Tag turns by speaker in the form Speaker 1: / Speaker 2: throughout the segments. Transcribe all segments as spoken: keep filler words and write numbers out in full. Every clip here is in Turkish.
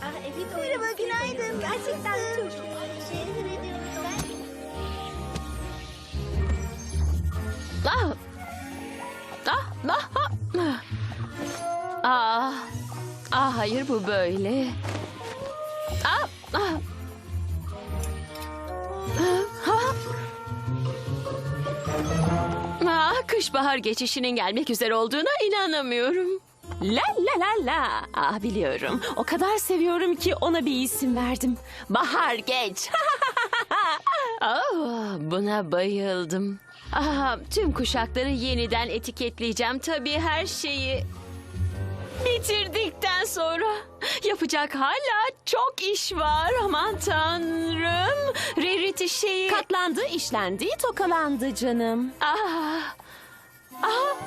Speaker 1: Ah, evet,
Speaker 2: Merhaba,
Speaker 1: oyun
Speaker 2: günaydın.
Speaker 1: seviyorum. Gerçekten çok
Speaker 2: Nasılsın?
Speaker 1: teşekkür ediyorum.
Speaker 3: Ah! Ah! Ah! Ah! Ah! Ah, hayır bu böyle. Ah! Ah! Ah! Ah, kış bahar geçişinin gelmek üzere olduğuna inanamıyorum.
Speaker 4: La la la la. Ah biliyorum. O kadar seviyorum ki ona bir isim verdim. Bahar Geç.
Speaker 3: Ah, buna bayıldım. Ah, tüm kuşakları yeniden etiketleyeceğim tabii her şeyi. Bitirdikten sonra yapacak hala çok iş var. Aman tanrım. Rarity şeyi...
Speaker 4: Katlandı, işlendi, tokalandı canım.
Speaker 3: Ah. Ah.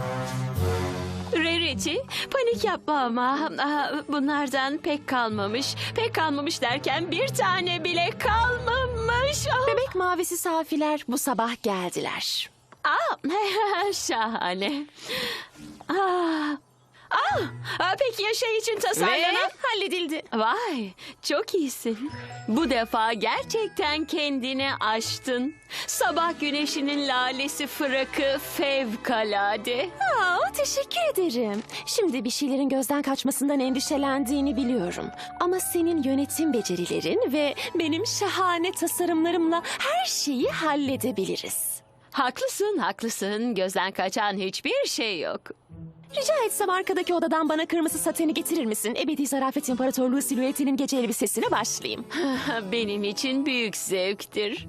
Speaker 3: Rarity, panik yapma ama ah, bunlardan pek kalmamış. Pek kalmamış derken bir tane bile kalmamış. Ah.
Speaker 4: Bebek mavisi safiler bu sabah geldiler.
Speaker 3: Ah, şahane. Ah. Ah, ah, peki ya şey için tasarlanan...
Speaker 4: Ve halledildi.
Speaker 3: Vay, çok iyisin. Bu defa gerçekten kendini aştın. Sabah güneşinin lalesi fırakı fevkalade.
Speaker 4: Aa, teşekkür ederim. Şimdi bir şeylerin gözden kaçmasından endişelendiğini biliyorum. Ama senin yönetim becerilerin ve benim şahane tasarımlarımla her şeyi halledebiliriz.
Speaker 3: Haklısın, haklısın. Gözden kaçan hiçbir şey yok.
Speaker 4: Rica etsem arkadaki odadan bana kırmızı sateni getirir misin? Ebedi Zarafet İmparatorluğu silüetinin gece elbisesine başlayayım.
Speaker 3: Benim için büyük zevktir.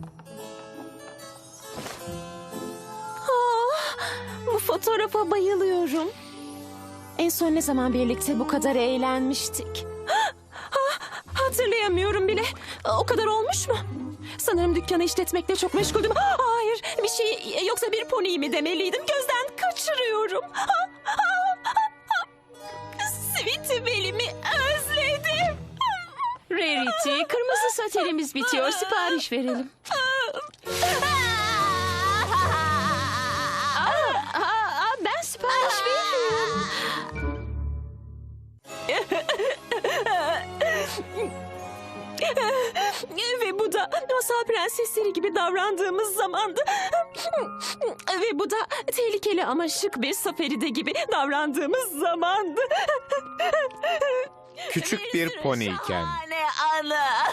Speaker 4: Ah, bu fotoğrafa bayılıyorum. En son ne zaman birlikte bu kadar eğlenmiştik? Ah, hatırlayamıyorum bile. O kadar olmuş mu? Sanırım dükkanı işletmekle çok meşguldüm. Ah, hayır, bir şey yoksa bir pony mi demeliydim? Gözden kaçırıyorum. Ah, ah, ah, ah. Sweetie Belly'mi özledim.
Speaker 3: Rarity, kırmızı satenimiz bitiyor. Sipariş verelim. Aa, aa, ben sipariş veriyorum.
Speaker 4: Ve bu da masal prensesleri gibi davrandığımız zamandı. Ve bu da tehlikeli ama şık bir saferide gibi davrandığımız zamandı.
Speaker 5: Küçük bir poniyken.
Speaker 4: Şahane anı.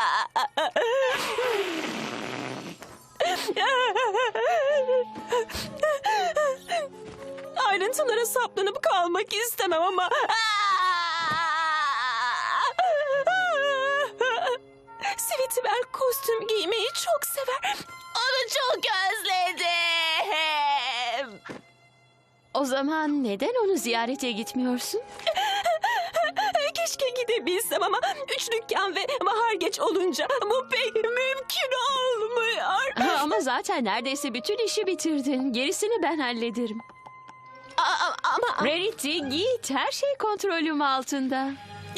Speaker 4: Ayrıntılara saplanıp kalmak istemem ama... Sweetibel kostüm giymeyi çok sever. Onu çok özledim.
Speaker 3: O zaman neden onu ziyarete gitmiyorsun?
Speaker 4: Keşke gidebilsem ama üç dükkan ve bahar geç olunca bu pek mümkün olmuyor.
Speaker 3: Ha, ama zaten neredeyse bütün işi bitirdin. Gerisini ben hallederim.
Speaker 4: A- ama...
Speaker 3: Rarity, git. Her şey kontrolüm altında.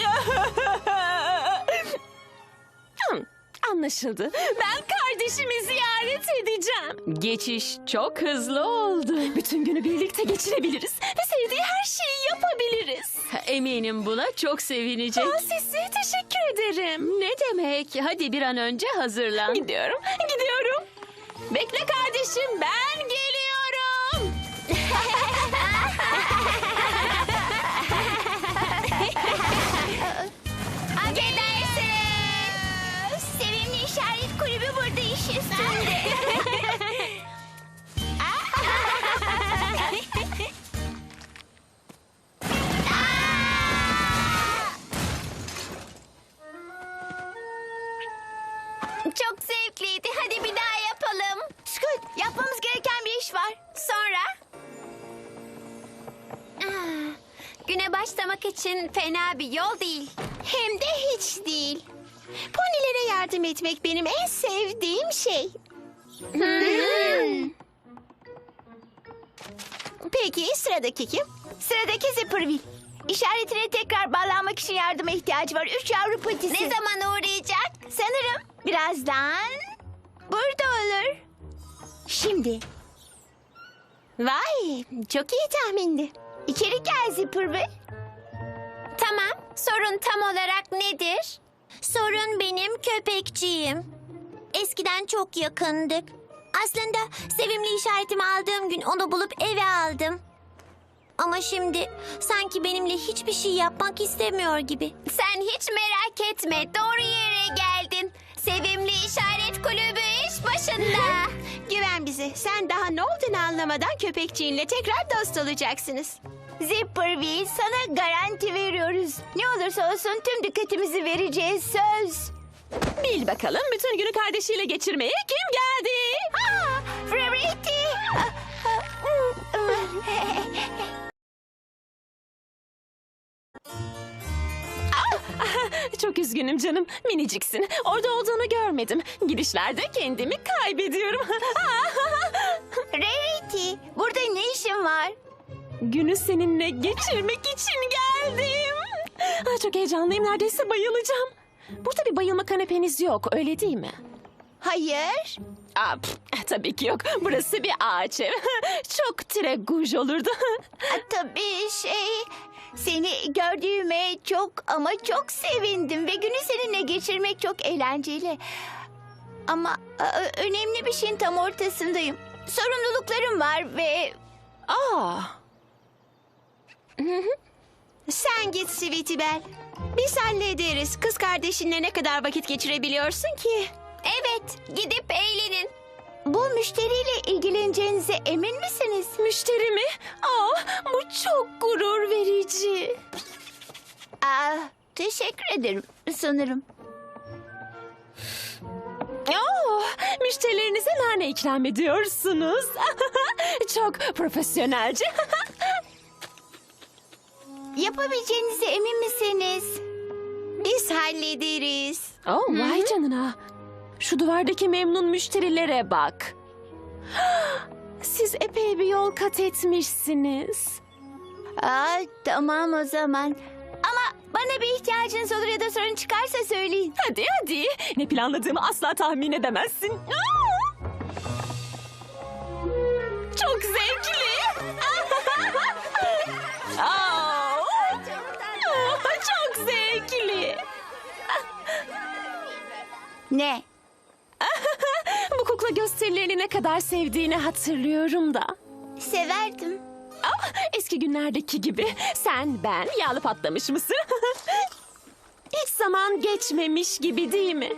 Speaker 4: Hmm, anlaşıldı. Ben kardeşimi ziyaret edeceğim.
Speaker 3: Geçiş çok hızlı oldu.
Speaker 4: Bütün günü birlikte geçirebiliriz ve sevdiği her şeyi yapabiliriz.
Speaker 3: Eminim buna çok sevinecek.
Speaker 4: Aa, Sisi, teşekkür ederim.
Speaker 3: Ne demek? Hadi bir an önce hazırlan.
Speaker 4: Gidiyorum, gidiyorum. Bekle kardeşim, ben geliyorum.
Speaker 2: Affedersiniz. Sevimli işaret kulübü burada iş üstünde. Çok zevkliydi. Hadi bir daha yapalım. Scoot, yapmamız gereken bir iş var. Sonra? Ah, güne başlamak için fena bir yol değil. Hem de hiç değil. Ponilere yardım etmek benim en sevdiğim şey. Hmm. Peki sıradaki kim? Sıradaki Zipperville. İşaretine tekrar bağlanmak için yardıma ihtiyacı var. Üç yavru patisi. Ne zaman uğrayacak? Sanırım birazdan burada olur. Şimdi. Vay, çok iyi tahmindi. İçeri gel Zipperville. Tamam,
Speaker 1: Sorun tam olarak nedir? Sorun benim köpekçiyim. Eskiden çok yakındık. Aslında sevimli işaretimi aldığım gün onu bulup eve aldım. Ama şimdi sanki benimle hiçbir şey yapmak istemiyor gibi. Sen hiç merak etme. Doğru yere geldin. Sevimli işaret kulübü iş başında.
Speaker 2: Güven bize. Sen daha ne olduğunu anlamadan köpekçiğinle tekrar dost olacaksınız. Zipperville, sana garanti veriyoruz. Ne olursa olsun tüm dikkatimizi vereceğiz, söz.
Speaker 3: Bil bakalım bütün günü kardeşiyle geçirmeye kim geldi?
Speaker 2: Aa, Rarity!
Speaker 3: Çok üzgünüm canım. Miniciksin. Orada olduğunu görmedim. Gidişlerde kendimi kaybediyorum.
Speaker 2: Rarity, burada ne işin var?
Speaker 3: Günü seninle geçirmek için geldim. Ah, çok heyecanlıyım. Neredeyse bayılacağım. Burada bir bayılma kanepeniz yok, öyle değil mi?
Speaker 2: Hayır.
Speaker 3: Aa, pf, tabii ki yok. Burası bir ağaç ev. Çok treguj olurdu.
Speaker 2: Aa, tabii şey... Seni gördüğüme çok ama çok sevindim ve günü seninle geçirmek çok eğlenceli. Ama e, önemli bir şeyin tam ortasındayım. Sorumluluklarım var ve...
Speaker 3: Aa,
Speaker 2: Sen git Sweetie Belle. Biz hallederiz. Kız kardeşinle ne kadar vakit geçirebiliyorsun ki?
Speaker 1: Evet, gidip eğlenin.
Speaker 2: Bu müşteriyle ilgileneceğinize emin misiniz?
Speaker 3: müşteri mi? Aa, bu çok gurur verici.
Speaker 2: Aa, teşekkür ederim sanırım.
Speaker 3: Oo, müşterilerinize nane ikram ediyorsunuz. Çok profesyonelce.
Speaker 2: Yapabileceğinize emin misiniz? Biz hallederiz.
Speaker 3: Oh, vay canına. Şu duvardaki memnun müşterilere bak. Siz epey bir yol kat etmişsiniz.
Speaker 2: Aa, tamam o zaman. Ama bana bir ihtiyacınız olur ya da sorun çıkarsa söyleyin.
Speaker 3: Hadi hadi. Ne planladığımı asla tahmin edemezsin. Aa! Çok zevkli. Aa! Çok zevkli.
Speaker 2: Ne?
Speaker 3: Bu kukla gösterilerini ne kadar sevdiğini hatırlıyorum da.
Speaker 2: Severdim.
Speaker 3: Ah, eski günlerdeki gibi sen, ben, yağlı patlamış mısır. Hiç zaman geçmemiş gibi değil mi?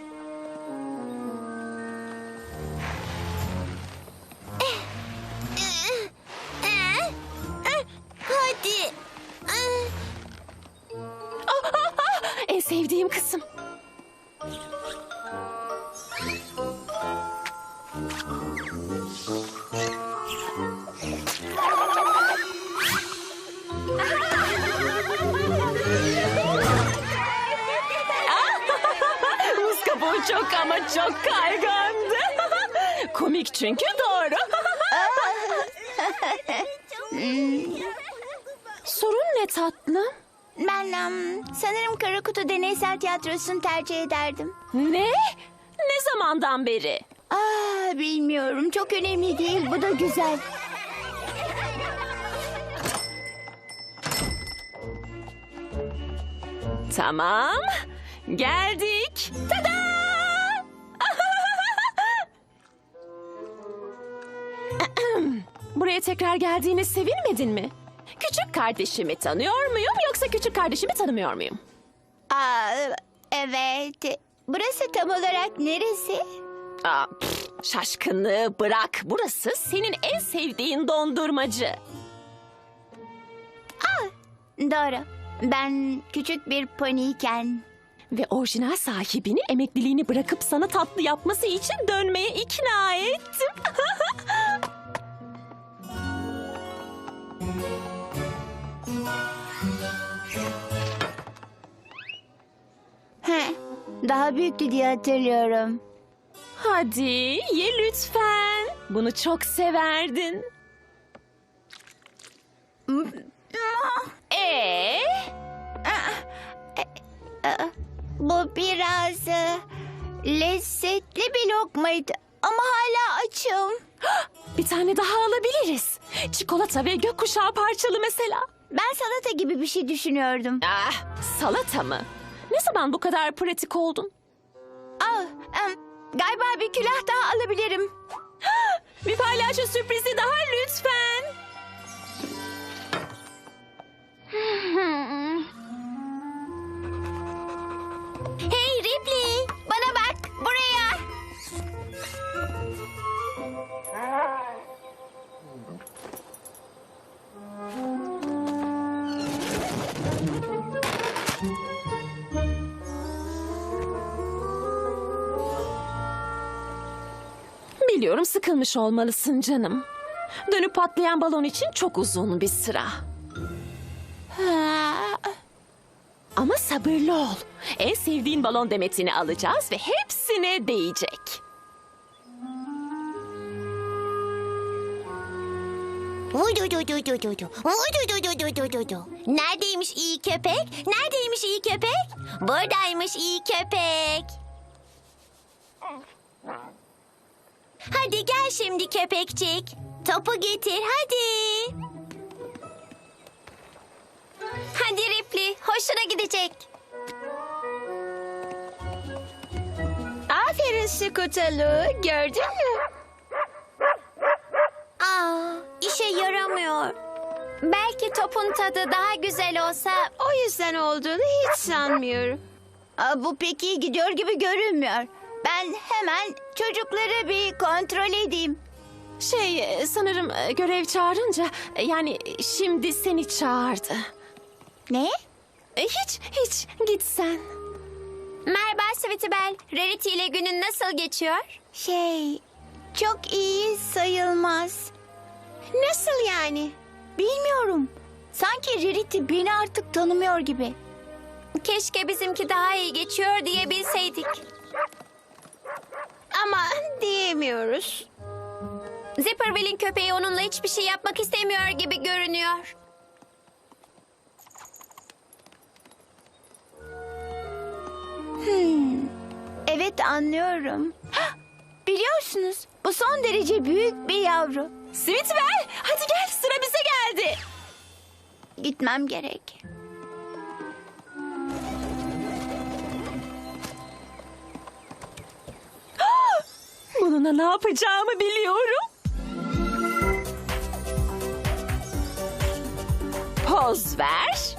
Speaker 1: Hadi.
Speaker 3: Ah, ah, ah, en sevdiğim kısım. Muz kabuğu çok ama çok kaygandı. Komik çünkü doğru. Sorun ne tatlım?
Speaker 2: Ben em, sanırım Karakutu Deneysel Tiyatrosu'nu tercih ederdim.
Speaker 3: Ne? Ne zamandan beri?
Speaker 2: Aa, bilmiyorum. Çok önemli değil. Bu da güzel.
Speaker 3: Tamam. Geldik. Tada! Buraya tekrar geldiğine sevinmedin mi? Küçük kardeşimi tanıyor muyum yoksa küçük kardeşimi tanımıyor muyum?
Speaker 2: Aa, evet. Burası tam olarak neresi?
Speaker 3: Aa, pf, şaşkınlığı bırak. Burası senin en sevdiğin dondurmacı.
Speaker 2: Doğru. Ben küçük bir poniyken...
Speaker 3: Ve orijinal sahibini emekliliğini bırakıp sana tatlı yapması için dönmeye ikna ettim.
Speaker 2: Heh, daha büyüktü diye hatırlıyorum.
Speaker 3: Hadi ye lütfen. Bunu çok severdin. Ee?
Speaker 2: Bu biraz e, lezzetli bir lokmaydı. Ama hala açım.
Speaker 3: Bir tane daha alabiliriz. Çikolata ve gökkuşağı parçalı mesela.
Speaker 2: Ben salata gibi bir şey düşünüyordum.
Speaker 4: Ah, salata mı? Ne zaman bu kadar pratik oldun?
Speaker 2: Al, em, galiba bir külah daha alabilirim.
Speaker 4: Bir palyaço sürprizi daha lütfen.
Speaker 1: Hey Ripley,
Speaker 2: Bana bak, buraya.
Speaker 4: Biliyorum sıkılmış olmalısın canım. Dönüp patlayan balon için çok uzun bir sıra. Ama sabırlı ol. En sevdiğin balon demetini alacağız ve hepsine değecek.
Speaker 1: Vududududududu, vududududududu. Neredeymiş iyi köpek? Neredeymiş iyi köpek? Buradaymış iyi köpek. Hadi gel şimdi köpekçik. Topu getir hadi. Hadi Ripley, hoşuna gidecek.
Speaker 3: Aferin Scootaloo, gördün mü?
Speaker 1: Aa, işe yaramıyor. Belki topun tadı daha güzel olsa...
Speaker 3: O yüzden olduğunu hiç sanmıyorum.
Speaker 2: Aa, bu pek iyi gidiyor gibi görünmüyor. Ben hemen çocukları bir kontrol edeyim.
Speaker 4: Şey e, sanırım e, görev çağırınca e, yani şimdi seni çağırdı.
Speaker 2: Ne?
Speaker 4: E, Hiç hiç git sen.
Speaker 1: Merhaba Sweetibel, Rarity ile günün nasıl geçiyor?
Speaker 2: Şey, çok iyi sayılmaz.
Speaker 3: Nasıl yani?
Speaker 2: Bilmiyorum. Sanki Rarity beni artık tanımıyor gibi.
Speaker 1: Keşke bizimki daha iyi geçiyor diyebilseydik.
Speaker 3: Ama diyemiyoruz.
Speaker 1: Zipperville'in köpeği onunla hiçbir şey yapmak istemiyor gibi görünüyor.
Speaker 2: Evet, anlıyorum. Hah, biliyorsunuz, bu son derece büyük bir yavru.
Speaker 4: Sweetbell hadi gel sıra bize geldi.
Speaker 2: Gitmem gerek.
Speaker 4: Bununla ne yapacağımı biliyorum. Poz ver.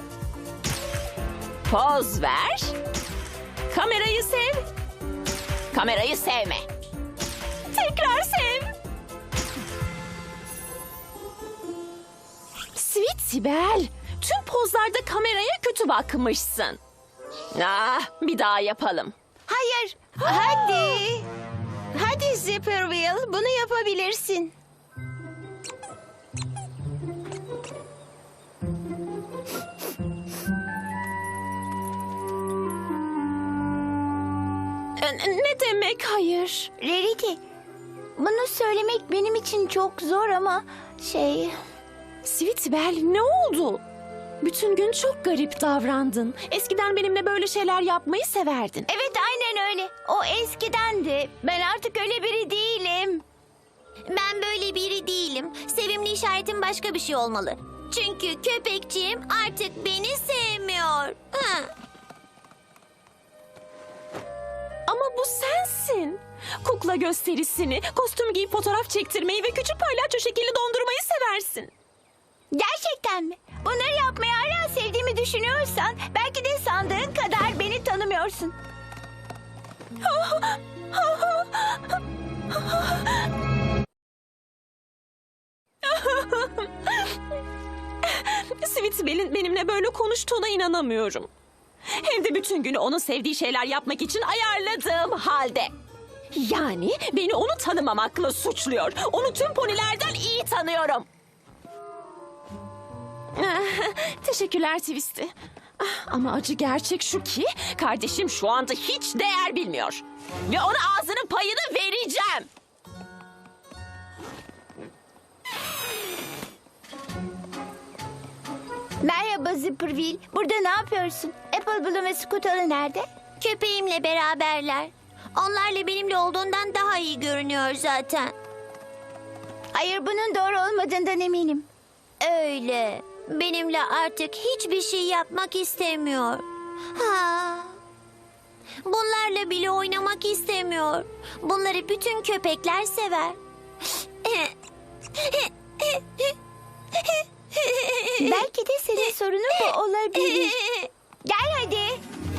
Speaker 4: Poz ver. Kamerayı sev. Kamerayı sevme. Tekrar sev. Sweet Sibel, tüm pozlarda kameraya kötü bakmışsın. Ah, bir daha yapalım.
Speaker 2: Hayır,
Speaker 3: Hadi. Hadi Zipperville, bunu yapabilirsin.
Speaker 4: E, Ne demek hayır?
Speaker 2: Rarity. Bunu söylemek benim için çok zor ama şey...
Speaker 4: Sweetbell ne oldu? Bütün gün çok garip davrandın. Eskiden benimle böyle şeyler yapmayı severdin.
Speaker 2: Evet, aynen öyle. O eskidendi. Ben artık öyle biri değilim.
Speaker 1: Ben böyle biri değilim. Sevimli işaretim başka bir şey olmalı. Çünkü köpekçiğim artık beni sevmiyor. Hı.
Speaker 4: Ama bu sensin. Kukla gösterisini, kostüm giyip fotoğraf çektirmeyi ve küçük palyaço şekilli dondurmayı seversin.
Speaker 2: Gerçekten mi? Bunları yapmayı hala sevdiğimi düşünüyorsan belki de sandığın kadar beni tanımıyorsun.
Speaker 4: Sweetbell'in benimle böyle konuştuğuna inanamıyorum. Hem de bütün günü onun sevdiği şeyler yapmak için ayarladığım halde. Yani beni onu tanımamakla suçluyor. Onu tüm ponilerden iyi tanıyorum. Teşekkürler Twisty. Ah, ama acı gerçek şu ki kardeşim şu anda hiç değer bilmiyor. Ve ona ağzının payını vereceğim.
Speaker 2: Merhaba Zipperville. Burada ne yapıyorsun? Apple Bloom ve Scootaloo nerede?
Speaker 1: Köpeğimle beraberler. Onlarla benimle olduğundan daha iyi görünüyor zaten.
Speaker 2: Hayır, bunun doğru olmadığından eminim.
Speaker 1: Öyle. benimle artık hiçbir şey yapmak istemiyor. Ha. Bunlarla bile oynamak istemiyor. Bunları bütün köpekler sever.
Speaker 2: Belki de senin sorunun bu olabilir. Gel hadi.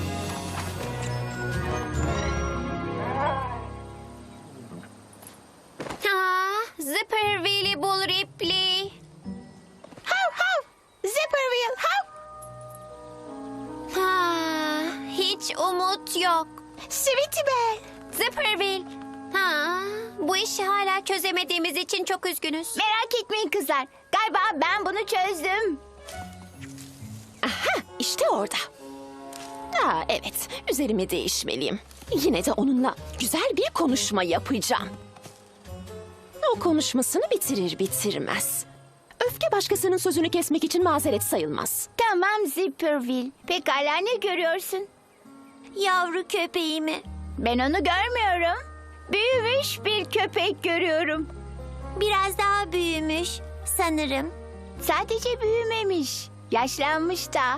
Speaker 1: Ha, Zipperville'i bul Ripley.
Speaker 2: Hav hav. Zipperville hav.
Speaker 1: Ha, hiç umut yok.
Speaker 2: Sweetibel.
Speaker 1: Zipperville. Ha, bu işi hala çözemediğimiz için çok üzgünüz.
Speaker 2: Merak etmeyin kızlar. Galiba ben bunu çözdüm.
Speaker 4: Aha, işte orada. Aa, evet, üzerimi değişmeliyim. Yine de onunla güzel bir konuşma yapacağım. O konuşmasını bitirir bitirmez. Öfke başkasının sözünü kesmek için mazeret sayılmaz.
Speaker 2: Tamam Zipperville. Pekala ne görüyorsun?
Speaker 1: Yavru köpeğimi.
Speaker 2: Ben onu görmüyorum. Büyümüş bir köpek görüyorum.
Speaker 1: Biraz daha büyümüş sanırım.
Speaker 2: Sadece büyümemiş. Yaşlanmış da.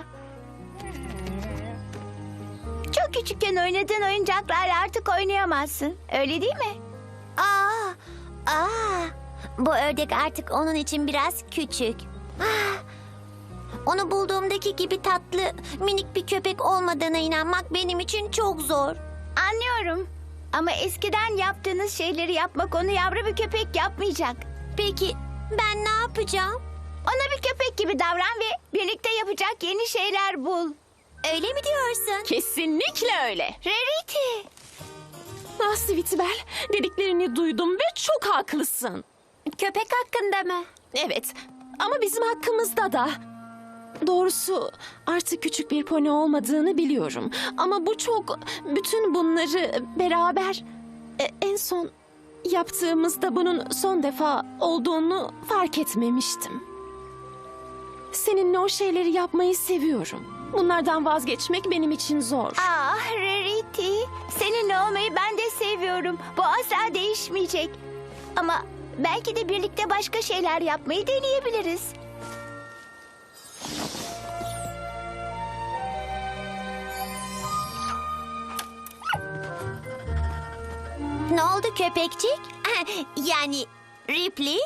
Speaker 2: Çok küçükken oynadığın oyuncaklarla artık oynayamazsın. Öyle değil mi?
Speaker 1: Aa, aa. Bu ördek artık onun için biraz küçük. Ah, onu bulduğumdaki gibi tatlı, minik bir köpek olmadığına inanmak benim için çok zor.
Speaker 2: Anlıyorum. Ama eskiden yaptığınız şeyleri yapmak onu yavru bir köpek yapmayacak.
Speaker 1: Peki ben ne yapacağım?
Speaker 2: Ona bir köpek gibi davran ve birlikte yapacak yeni şeyler bul.
Speaker 1: Öyle mi diyorsun?
Speaker 4: Kesinlikle öyle.
Speaker 2: Rarity.
Speaker 4: Ah Sweetibel, dediklerini duydum ve çok haklısın.
Speaker 1: Köpek hakkında mı?
Speaker 4: Evet, ama bizim hakkımızda da. Doğrusu artık küçük bir pony olmadığını biliyorum. Ama bu çok... Bütün bunları beraber... e, en son yaptığımızda bunun son defa olduğunu fark etmemiştim. Seninle o şeyleri yapmayı seviyorum. Bunlardan vazgeçmek benim için zor.
Speaker 2: Ah Rarity. Seninle olmayı ben de seviyorum. Bu asla değişmeyecek. Ama belki de birlikte başka şeyler yapmayı deneyebiliriz.
Speaker 1: Ne oldu köpekçik? Yani Ripley?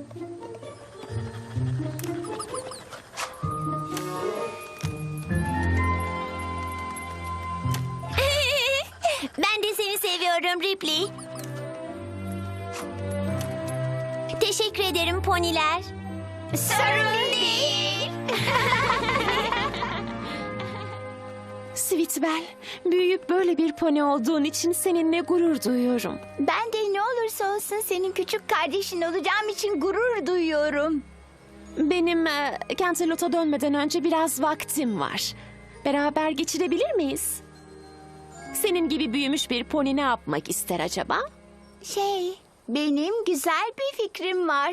Speaker 1: Ben de seni seviyorum Ripley. Teşekkür ederim poniler.
Speaker 2: Sorun değil.
Speaker 4: Sweetibel, büyüyüp böyle bir pony olduğun için seninle gurur duyuyorum.
Speaker 2: Ben de ne olursa olsun senin küçük kardeşin olacağım için gurur duyuyorum.
Speaker 4: Benim e, Canterlot'a dönmeden önce biraz vaktim var. Beraber geçirebilir miyiz? Senin gibi büyümüş bir pony ne yapmak ister acaba?
Speaker 2: Şey, benim güzel bir fikrim var.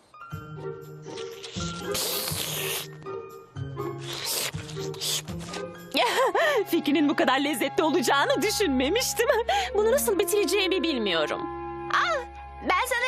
Speaker 4: Fikrinin bu kadar lezzetli olacağını düşünmemiştim. Bunu nasıl bitireceğimi bilmiyorum.
Speaker 2: Al, ben sana